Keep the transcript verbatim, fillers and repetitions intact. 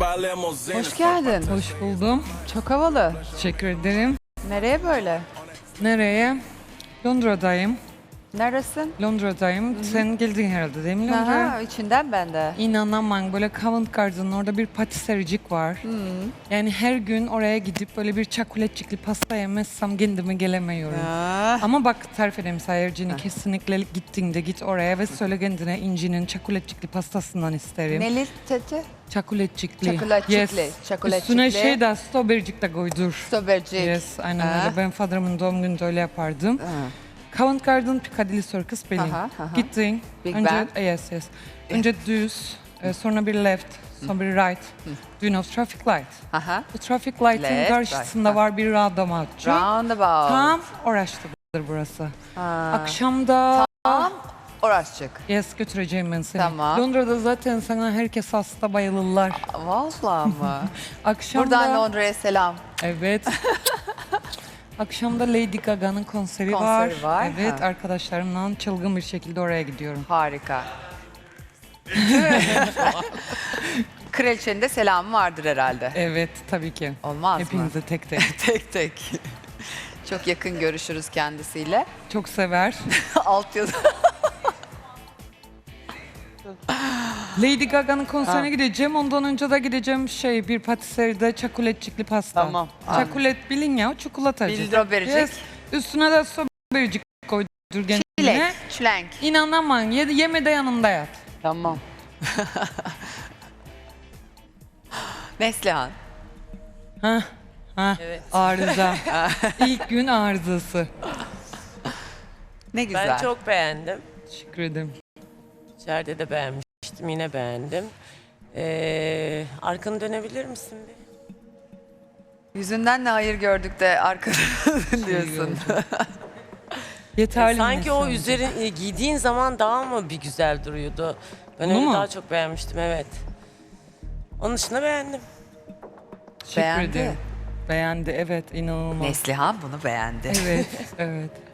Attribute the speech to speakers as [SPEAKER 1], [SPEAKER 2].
[SPEAKER 1] Hoş geldin.
[SPEAKER 2] Hoş buldum.
[SPEAKER 1] Çok havalı.
[SPEAKER 2] Teşekkür ederim.
[SPEAKER 1] Nereye böyle?
[SPEAKER 2] Nereye? Londra'dayım.
[SPEAKER 1] Neresin?
[SPEAKER 2] Londra'dayım. Hı-hı. Sen geldin herhalde değil mi Londra'ya?
[SPEAKER 1] Aha, içinden ben de.
[SPEAKER 2] İnanamam, böyle Covent Garden'ın orada bir patisericik var.
[SPEAKER 1] Hı.
[SPEAKER 2] Yani her gün oraya gidip böyle bir çikolatçikli pasta yemezsem kendime gelemiyorum.
[SPEAKER 1] Ah.
[SPEAKER 2] Ama bak tarif edeyim Sayırcığını, kesinlikle gittiğinde git oraya ve söyle kendine İnci'nin çikolatçikli pastasından isterim.
[SPEAKER 1] Neli teti?
[SPEAKER 2] Çikolatçikli.
[SPEAKER 1] Çikolatçikli,
[SPEAKER 2] Yes.
[SPEAKER 1] çikolatçikli.
[SPEAKER 2] Üstüne şey de strawberrycik de koydur.
[SPEAKER 1] Strawberrycik.
[SPEAKER 2] Yes, aynen
[SPEAKER 1] Ha.
[SPEAKER 2] öyle. Ben Father'ımın doğum gününde öyle yapardım.
[SPEAKER 1] Ha.
[SPEAKER 2] Covent Garden Piccadilly Circus benim.
[SPEAKER 1] Aha, aha.
[SPEAKER 2] Gittin.
[SPEAKER 1] Big
[SPEAKER 2] önce,
[SPEAKER 1] Ben.
[SPEAKER 2] Yes, yes. Önce düz, e, sonra bir left, sonra bir right. Do you know traffic light?
[SPEAKER 1] Aha.
[SPEAKER 2] Bu traffic light'ın
[SPEAKER 1] Left,
[SPEAKER 2] karşısında
[SPEAKER 1] right.
[SPEAKER 2] var bir roundabout.
[SPEAKER 1] Roundabout.
[SPEAKER 2] Tam orasıdır burası.
[SPEAKER 1] Ha.
[SPEAKER 2] Akşamda...
[SPEAKER 1] Tam orasıcık.
[SPEAKER 2] Yes, götüreceğim ben seni.
[SPEAKER 1] Tamam.
[SPEAKER 2] Londra'da zaten sana herkes hasta bayılırlar.
[SPEAKER 1] Vallahi mı?
[SPEAKER 2] Akşamda...
[SPEAKER 1] Buradan Londra'ya selam.
[SPEAKER 2] Evet. Akşamda Lady Gaga'nın konseri,
[SPEAKER 1] Konseri
[SPEAKER 2] var.
[SPEAKER 1] var,
[SPEAKER 2] Evet,
[SPEAKER 1] ha.
[SPEAKER 2] arkadaşlarımla çılgın bir şekilde oraya gidiyorum.
[SPEAKER 1] Harika. Kraliçenin de selamı vardır herhalde.
[SPEAKER 2] Evet, tabii ki.
[SPEAKER 1] Olmaz mı?
[SPEAKER 2] Hepinize tek tek.
[SPEAKER 1] Tek tek. Çok yakın görüşürüz kendisiyle.
[SPEAKER 2] Çok sever.
[SPEAKER 1] Alt yazı.
[SPEAKER 2] Lady Gaga'nın konserine gideceğim. Ondan önce de gideceğim şey bir patiseride çikolatçikli pasta.
[SPEAKER 1] Tamam.
[SPEAKER 2] Çikolat bilin ya, çikolatacı.
[SPEAKER 1] Bildim. Strawberrycik.
[SPEAKER 2] Yes. Üstüne de strawberrycik koydur kendine.
[SPEAKER 1] Çilek, çilenk.
[SPEAKER 2] İnanamam. Ye, yeme de yanımda yat.
[SPEAKER 1] Tamam. Neslihan.
[SPEAKER 2] Hah. Hah.
[SPEAKER 3] Evet.
[SPEAKER 2] Arıza. İlk gün arızası.
[SPEAKER 1] Ne güzel.
[SPEAKER 3] Ben çok beğendim.
[SPEAKER 2] Teşekkür ederim.
[SPEAKER 3] İçeride de beğenmiştim, yine beğendim. Ee, arkanı dönebilir misin bir?
[SPEAKER 1] Yüzünden ne hayır gördük de arkada diyorsun.
[SPEAKER 2] Yeterli mi
[SPEAKER 3] Sanki o
[SPEAKER 2] sence?
[SPEAKER 3] üzerin e, giydiğin zaman daha mı bir güzel duruyordu? Ben
[SPEAKER 2] Bunu
[SPEAKER 3] öyle
[SPEAKER 2] mu?
[SPEAKER 3] daha çok beğenmiştim, evet. Onun dışında beğendim.
[SPEAKER 2] Teşekkür
[SPEAKER 1] Beğendi.
[SPEAKER 2] ederim. Beğendi, evet, inanılmaz.
[SPEAKER 1] Neslihan bunu beğendi.
[SPEAKER 2] Evet, evet.